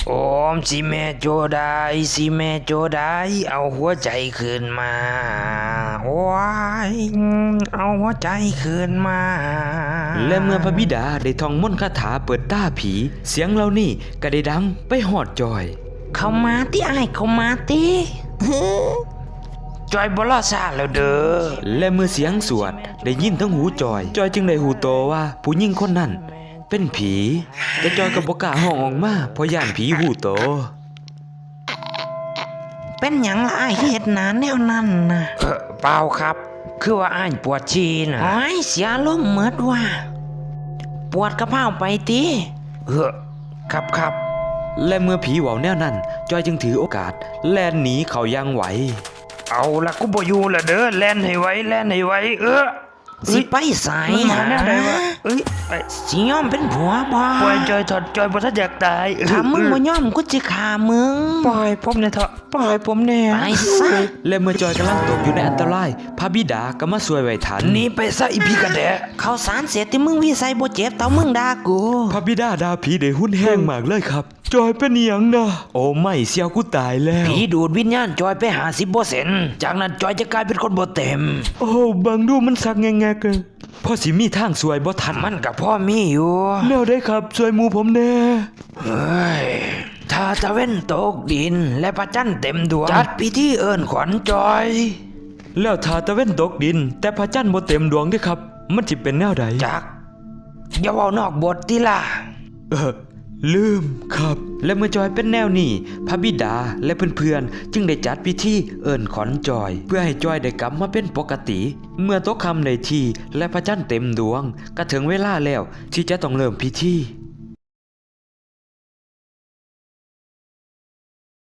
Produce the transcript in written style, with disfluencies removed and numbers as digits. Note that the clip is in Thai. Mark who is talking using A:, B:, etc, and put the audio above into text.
A: โอมสิแม่โจได้สิแม่โจได้เอาหัวใจคืนมาว้ายเอาหัวใจคืนมา
B: และเมื่อพระบิดาได้ท่องมนต์คาถาเปิดตาผี เสียงเหล่านี้ก็ได้ดังไปฮอดจอย
A: เข้ามาติอ้ายเข้ามาติจอยบ่รอซาแล้วเด้อ
B: และเมื่อเสียงสวดได้ยินทั้งหูจอยจึงได้หูโตว่าผู้หญิงคนนั้นเป็นผีแต่จอยก็บ่กล้าห้องออกมาเพราะย่านผีหูโต
A: เป็นหยังล่ะอ้ายเฮ็ดหนาแนวนั้นน่ะเปล่าครับคือว่าอ้ายปวดฉี่น่ะโอ้ยเสียลมณ์หมดว่ะปวดกระเพาไปติครับ
B: และเมื่อผีเว้าแนวนั้นจอยจึงถือโอกาสแล่นหนีเขาอย่างไหว
A: เอาละกูบ่อยู่ละเด้อแล่นให้ไวสิไปไสหาแนวใดวะสิยอมเป็นผัวบ่ปล่อยจอยถอดจอยบ่ทันอยากตายถ้ามึงบ่ยอมกูสิฆ่ามึงปล่อยผมแน่เถอะปล่อยผมแน่ไปซะ
B: และเมื่อจอยกำลังตกอยู่ในอันตรายพระบิดาก็มาช่วยไว้ทัน
A: หนีไปซะอีพี่กระแดะข้าวสารเสร็จที่มึงวิสัยบ่เจ็บเท่ามึงด่ากู
B: พระบิดาด่าผีได้หุ้นแห้งมากเลยครับจอยเป็นหยังนะโอ้ไม่เสียวกูตายแล้ว
A: ผีดูดวิญญาณจอยไป50%จากนั้นจอยจะกลายเป็นคนบ่เต็ม
B: โอ้บังดูมันสักแงกๆพ่อสิมีทางสวยบ่ทัน
A: มันกับพ่อมีอยู่
B: แนวได้ครับช่วยหมู่ผมแน่
A: เฮ้ยถ้าตะเว้นตกดินและพระจันทร์เต็มดวงจัดพิธีเอิ้นขวัญจอย
B: แล้วถ้าตะเว้นตกดินแต่พระจันทร์บ่เต็มดวงเด้ครับมันสิเป็นแนวใด
A: จักอย่าเว้านอกบทติล่ะ
B: ลืมครับและเมื่อจอยเป็นแนวนี้พระบิดาและเพื่อนๆจึงได้จัดพิธีเอิ้นขวัญจอยเพื่อให้จอยได้กลับมาเป็นปกติเมื่อตกค่ำในทีและพระจันทร์เต็มดวงก็ถึงเวลาแล้วที่จะต้องเริ่มพิธี